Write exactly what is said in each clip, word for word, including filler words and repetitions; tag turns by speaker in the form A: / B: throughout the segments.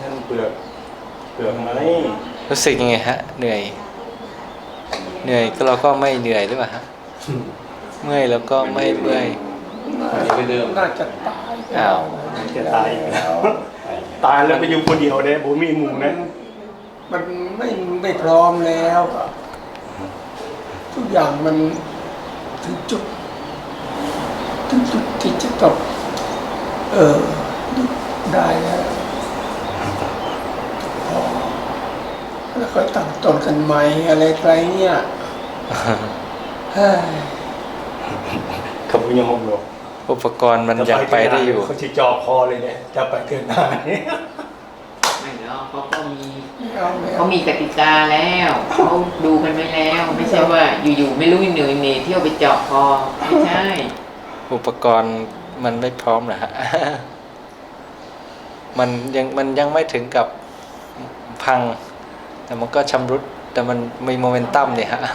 A: ท่านเปลือกเปลือกไหม
B: รู้สึกยังไงฮะเหนื่อยเหนื่อยก็เราก็ไม่เหนื่อยหรือเปล่าฮะเมื่อยแล้วก็ไม่เมื่อย
C: น่าจะตาย
B: อ้าว
A: จะตายแล้วตายแล้วไปอยู่คนเดียวเนี่ยผมมีหมู่นะ
C: มันไม่ไม่พร้อมแล้วทุกอย่างมันถึงจุดถึงจุดที่จะต้องเออได้แล้วพอแล้วก็ตั้งต้นกันใหม่อะไรไรเนี่ยเฮ้ย
A: เขาพูดยังงงอยู่
B: อุปกรณ์มันยังไปได้อยู่
A: เขาจะจ่อคอเลยเนี่ยจะไปเกินหน้าเนี่ย
D: ไม่เนาะเขาก็มีเขามีกติกาแล้วเขาดูกันไว้แล้วไม่ใช่ว่าอยู่ๆไม่รู้เหนื่อยเนเที่ยวไปเจาะคอไม่ใช่
B: อุปกรณ์มันไม่พร้อมนะฮะมันยังมันยังไม่ถึงกับพังแต่มันก็ชำรุดแต่มันมีโมเมนตัมเนี่ยฮะ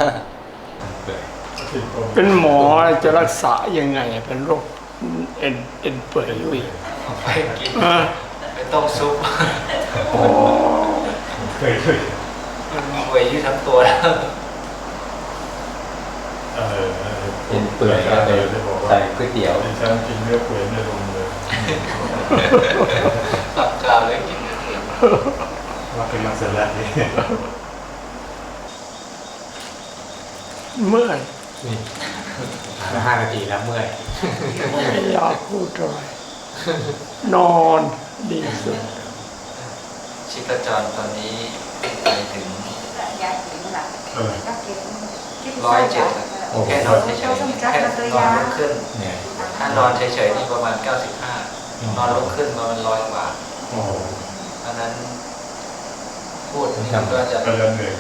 C: เป็นหมอจะรักษายังไงเป็นโรคเอ็นเอ็นเปื่อยยุ่ย
B: ไปกินไปต้มซุป
A: เคยเคย
B: มันป่วยยืดทั้งตัวแล้ว
A: เออเอ็นเปื่อยก็เลยใส่ก๋วยเตี๋ยวฉันกินเนื้อเปื่อยไม่ลงเลย
B: ตับกาวเลยกินเนื้อเปื่อย
A: ว่าเป็นมาเสร็จแล้วนี่
C: เมื่อย
A: นี่ห้านาทีแล้วเมื่อย
C: ไม่อยากพูดเลยนอนดีสุด
B: ชีพจรตอนนี้ไปถึงร้อยเจ็ดแค่นอนเฉยๆแค่นอนลุกขึ้นถ้านอนเฉยๆนี่ประมาณเก้าสิบห้านอนลุกขึ้นประมาณร้อยกว่าเพราะนั้นพูดนี่ก็จะไป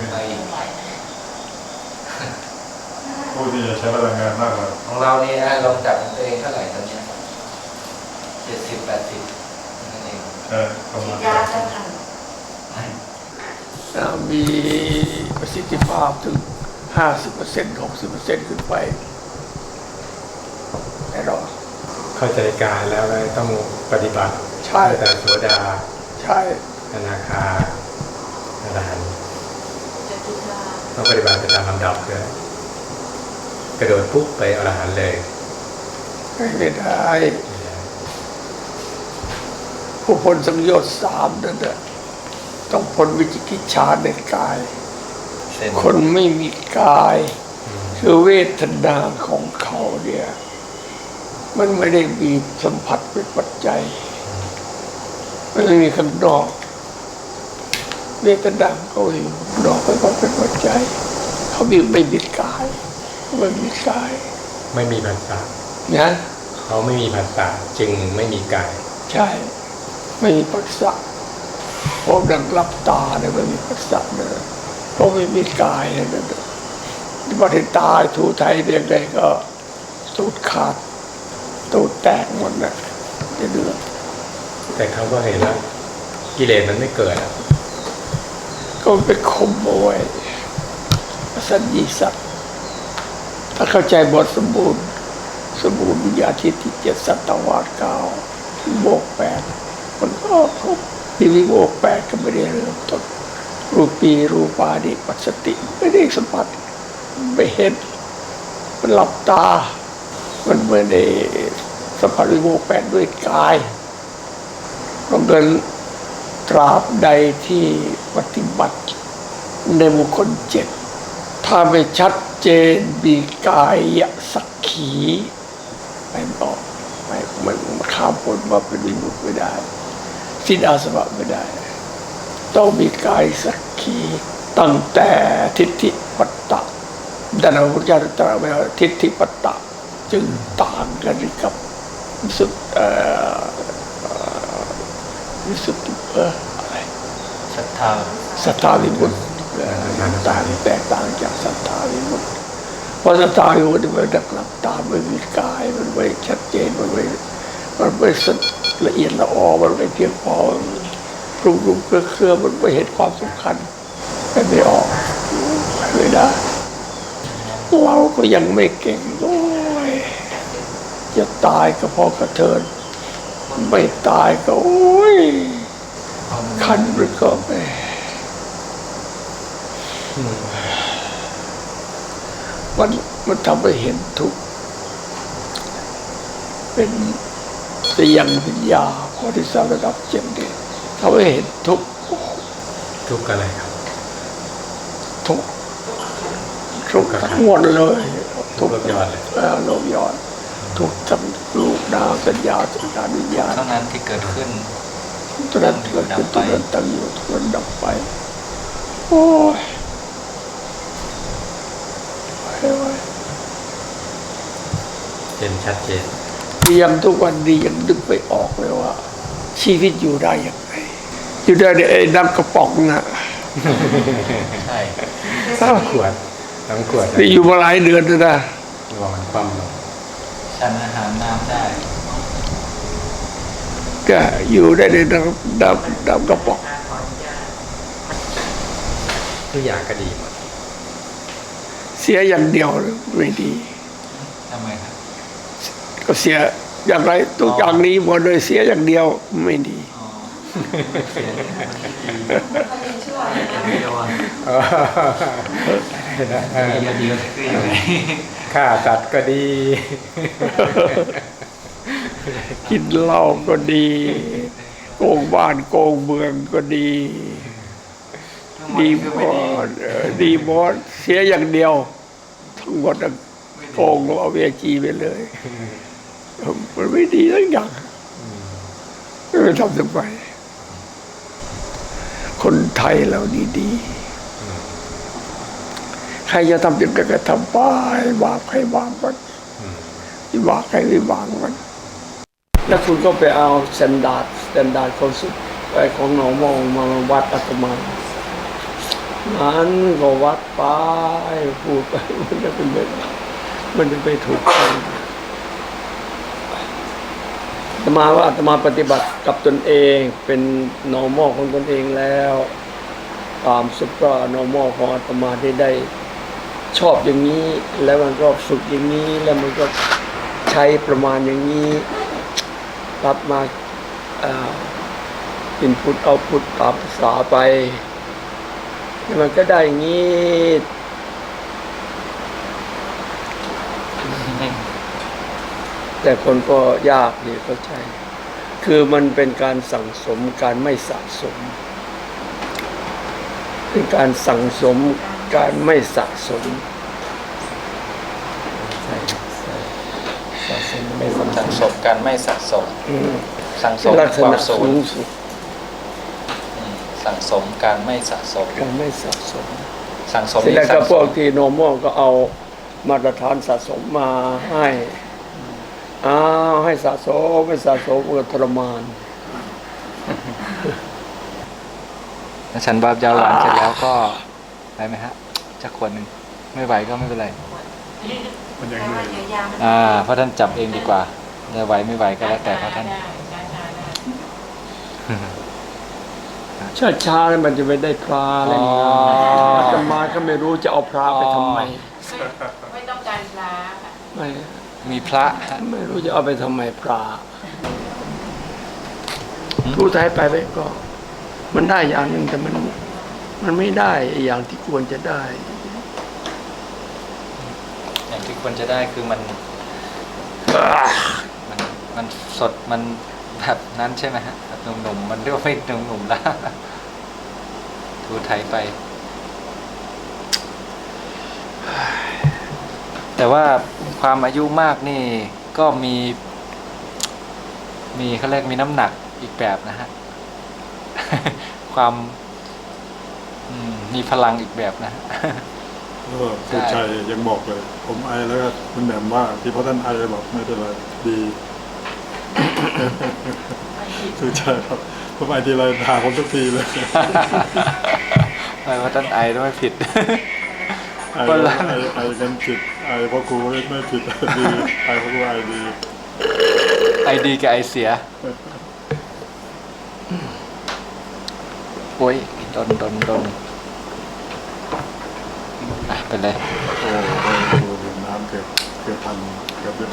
A: ผู้ที่จะใช้พลังงานมากกว่า
B: ของเรานี่นะลองจับตัวเองเท่าไหร่ตอนนี้เจ็ดสิบแปดสิบนั่นเอง
A: เออประมาณ
C: มีประสิทธิภาพถึงห้าสิบเปอร์เซ็นต์หกสิบเปอร์เซ็นต์ขึ้นไปแน่นอน
A: เข้าใจการแล้วต้องปฏิบัติ
C: ใช่
A: แต่โสดา
C: ใช่
A: อนาคาอรหันต์ต้องปฏิบัติไปตามลำดับเลยกระโดดปุ๊บไปอรหันต์เลย
C: ไม่ได้ผู้พ้นสังโยชน์สามนั่นแหละต้องพ้นวิจิกิจฉาในกายคนไม่มีกายคือเวทนาของเขาเนี่ยมันไม่ได้มีสัมผัสเป็นปัจจัยมันไม่มีข้างนอกเวทนาเขาอยู่นอกเป็นปัจจัยเขามีไม่มีกายไม่มีกาย
A: ไม่มีภาษา
C: นะ
A: เขาไม่มีภาษาจึงไม่มีกาย
C: ใช่ไม่มีภาษาเพราะดังรับตาเนี่ยไม่มีภาษาเนี่ยเพราะไม่มีกายเนี่ยที่ประเทศตาทูไทยเรียกได้ก็ตูดขาดตูดแตกหมดนะจะเดือด
A: แต่เขาก็เห็นแล้วกิเลสมันไม่เกิด
C: ก็ไปข่มเอาไว้สัญญีสัตว์ถ้าเข้าใจบทสมบูรณ์สมบูรณ์วิญญาณที่ที่เจ็ดสัตวาสเก้าโบกแปดมันก็ครบที่วิโบกแปดก็ไม่ได้เริ่มต้นรูปีรูปาดิปัสสติไม่ได้สัมผัสไม่เห็นมันหลับตามันไม่ได้สัมผัสวิโบกแปดด้วยกายเพราะงั้นตราบใดที่ปฏิบัติในบุคคลเจ็ดถ้าไม่ชัดเจนมีกายสักขีไม่บอกไม่ไม่ข้ามพ้นมาเป็นวิมุตติไม่ได้สิ้นอาสวะไม่ได้ต้องมีกายสักขีตั้งแต่ทิฏฐิปัตตะดันพระพุทธเจ้าตรัสไว้ว่าทิฏฐิปัตตะจึงต่างกันกับสุดเอ่อวิสุทธิเอออะไร
B: ศรัทธา
C: ศรัทธาวิมุตติต่างแตกต่างจากศรัทธาวิมุตติเพราะศรัทธาวิมุตติมันดักหลับตาไม่มีกายมันไม่ชัดเจนมันไม่มันไม่ละเอียดละออมันไม่เพียงพอปรุงรุงเครือเครือมันไม่เห็นความสำคัญไม่ออกไม่ได้เราก็ยังไม่เก่งโอ้ยจะตายก็พอกระเทินไม่ตายก็โอ้ยขคันมันก็ไม่มันมันทำให้เห็นทุกข์เป็นเสียงวิญญาพอที่สามระดับเจ็ดเนี่ยทำให้เห็นทุกข์
A: ทุกข์อะไรครับ
C: ทุกข์ทุกข์ทั้งหมดเลย
A: ทุกข์โลกยอดเลย
C: เออโลกยอดทุกข์ทั้งรูปนามสัญญาสัญญาวิญญาณ
B: เท่านั้นที่เกิดขึ้น
C: ตัวนั้นเกิดขึ้นตัวนั้นตั้งอยู่ตัวนั้นดับไปโอ้ยโอ้ย
A: เห็นชัดเจน
C: ยังทุกวันนี้ยังนึกไม่ออกเลยว่า ชีวิตอยู่ได้ยังไงอยู่ได้ในไอ้น้ำกระป๋องน่ะ
B: ใช่
A: สามขวดสามขวด
C: นี่อยู่มาหลายเดือนแล้วนะ
A: ระวังความลง
B: ฉันอาหารน้ำได้
C: ก็อยู่ได้ในน้ำน้ำน้ำกระป๋อง
A: ทุกอย่างก็ดีหมด
C: เสียอย่างเดียวไม่ดี
B: ทำไมครับ
C: ก็เสียอย่างไรทุกอย่างนี้หมดเลยเสียอย่างเดียวไม่ดี
B: อ๋อเสียเดียวอ่ะ
A: เออ
B: เดียวเดียวคือยังไง
A: ฆ่าสัตว์ก็ดี
C: กินเหล้าก็ดีโกงบ้านโกงเมืองก็ดี ดีหมดเออดีหมดเสียอย่างเดียว ทั้งหมดอะโกงเอาเวจีไปเลยมันไม่ดีทั้งอย่างไม่ไปทำทำไมคนไทยเราดีๆใครจะทำยังไงก็ทำไปบาปใครบาปมันวิบากใครวิบากมันแล้วคุณก็ไปเอาสแตนดาร์ดสแตนดาร์ดของสุดไอ้ของหนองมองมาวัดอาตมานั้นก็วัดไปพูดไปมันจะเป็นแบบมันจะไปถูกต้องอาตมาว่าอาตมาปฏิบัติกับตนเองเป็น normal ของตนเองแล้วตามซุปเปอร์ normal ของอาตมาที่ได้ชอบอย่างนี้แล้วมันก็ฝึกอย่างนี้แล้วมันก็ใช้ประมาณอย่างนี้รับมาอินพุตเอาพุตตามภาษาไปมันก็ได้อย่างนี้แต่คนก็ยากดีเข้าใจคือมันเป็นการสั่งสมการไม่สะสมเป็นการสั่งสมการไม่สะสมใช่สะสมไม่สะส
B: สั่ง
C: ม
B: สมกันไม่สะสม
C: อืม
B: สั่งสม
C: ลักษ
B: ความ
C: ณะ
B: สู
C: สู
B: ญ
C: งสุด
B: อืมสั่งสมการไม่สะสม
C: การไม่สะสม
B: สั่งสม
C: เสร็จแล้ว
B: สั่
C: ก็
B: ง
C: พ
B: ส
C: วก
B: ม
C: ที่โนมอลก็เอามาตรฐานสะสมมาให้อ้าวให้สะสมไม่สะสมก็ทรมาน
B: ฉันบาปยาวหวานเสร็จแล้วก็ได้ไหมฮะจะขวดหนึ่งไม่ไหวก็ไม่เป็นไร
A: มันยังเหนื่อยอยู่
B: อ่าเพราะท่านจับเองดีกว่าจะไหวไม่ไหวก็แล้วแต่เพราะท่าน
C: ช้าช้าๆแล้วมันจะไม่ได้พระอะไรอย่างเงี้ยอาตมาก็ไม่รู้จะเอาพระไปทำไม
D: ไม่ต้องการพระค่ะ
C: ไม่
B: มีพระฮะ
C: ไม่รู้จะเอาไปทำไมพระทูท้ายไปไปก็ มันได้อย่างหนึ่งแต่มันมันไม่ได้อย่างที่ควรจะได้
B: อย่างที่ควรจะได้คือมันมันมันสดมันแบบนั้นใช่ไหมฮะแบบหนุ่มๆมันเรียกว่าไม่หนุ่มๆแล้วทูไทยไป แต่ว่าความอายุมากนี่ก็มี มีเขาเรียกมีน้ำหนักอีกแบบนะฮะ ความอืมมีพลังอีกแบบนะ
E: แล้วก็สุชัยยังบอกเลย ผมไอแล้วก็คุณแหม่มว่าที่พ่อท่านไอบอกไม่เป็นไรดี สุชัยครับผมไอทีไรด่าผมทุกทีเลย
B: ไม่ว่าท่านไอต้องไม่ผิด
E: ไอแล้วไอไอกันผิดไอพ่อครูไม่ไม่ผิด ดีไอพ่อครูไอดี
B: ไอดีกับไอเสีย โอ้ยดนดนดนอ่ะไปเลย
E: โอ้โหดื่มน้ำเกือบเกือบพันเกือบเดือน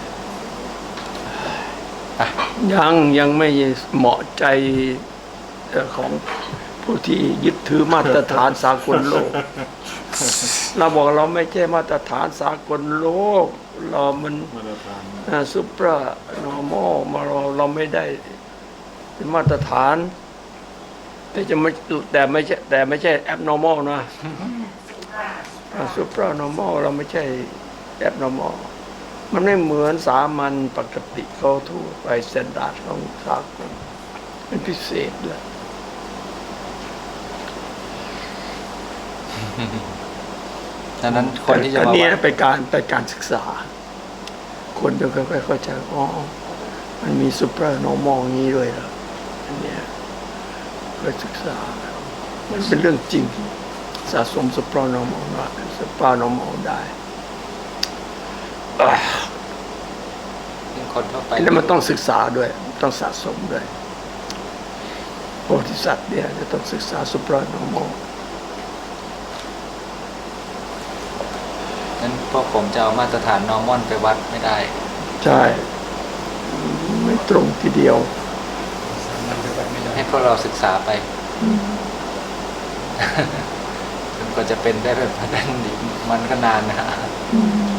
C: ยังยังไม่เหมาะใจเอ่อของผู้ที่ยึดถือมาตรฐานสากลโลก เราบอกเราไม่ใช่มาตรฐานสากลโลก เรามัน
E: มาตรฐาน
C: ซุปเปอร์นอร์มอลมาเราเราไม่ได้เป็นมาตรฐาน แต่จะไม่แต่ไม่ใช่แต่ไม่ใช่แอบนอร์มอลนะซุปเปอร์นอร์มอลเราไม่ใช่แอบนอร์มอลมันไม่เหมือนสามัญปกติเขาทั่วไปสแตนดาร์ดของสากลเป็นพิเศษเลย
B: ดังนั้นคนที่จะ
C: อัน
B: มา
C: นี้
B: วัด
C: เป็นการเป็นการศึกษา คนจะค่อยๆเข้าใจอ๋อมันมีซูเปอร์นอร์มอลงี้ด้วยเหรออันเนี้ยค่อยศึกษา มันเป็นเรื่องจริง สะสมซูเปอร์นอร์มอลได้ซูเปอร์นอร์มอลได้อ่ะ
B: ซึ่งคนทั่วไป
C: แล้วมันต้องศึกษาด้วย ต้องสะสมด้วยโพธิสัตว์เนี่ยจะต้องศึกษาซูเปอร์นอร์มอล
B: นั้นพวกผมจะเอามาตรฐานนอร์มอนไปวัดไม่ได้
C: ใช่ ไม่ตรงทีเดียว
B: ให้พวกเราศึกษาไปจนกว่าจะเป็นได้แบบนั้นอีกมันก็นานนะฮะ
C: อืม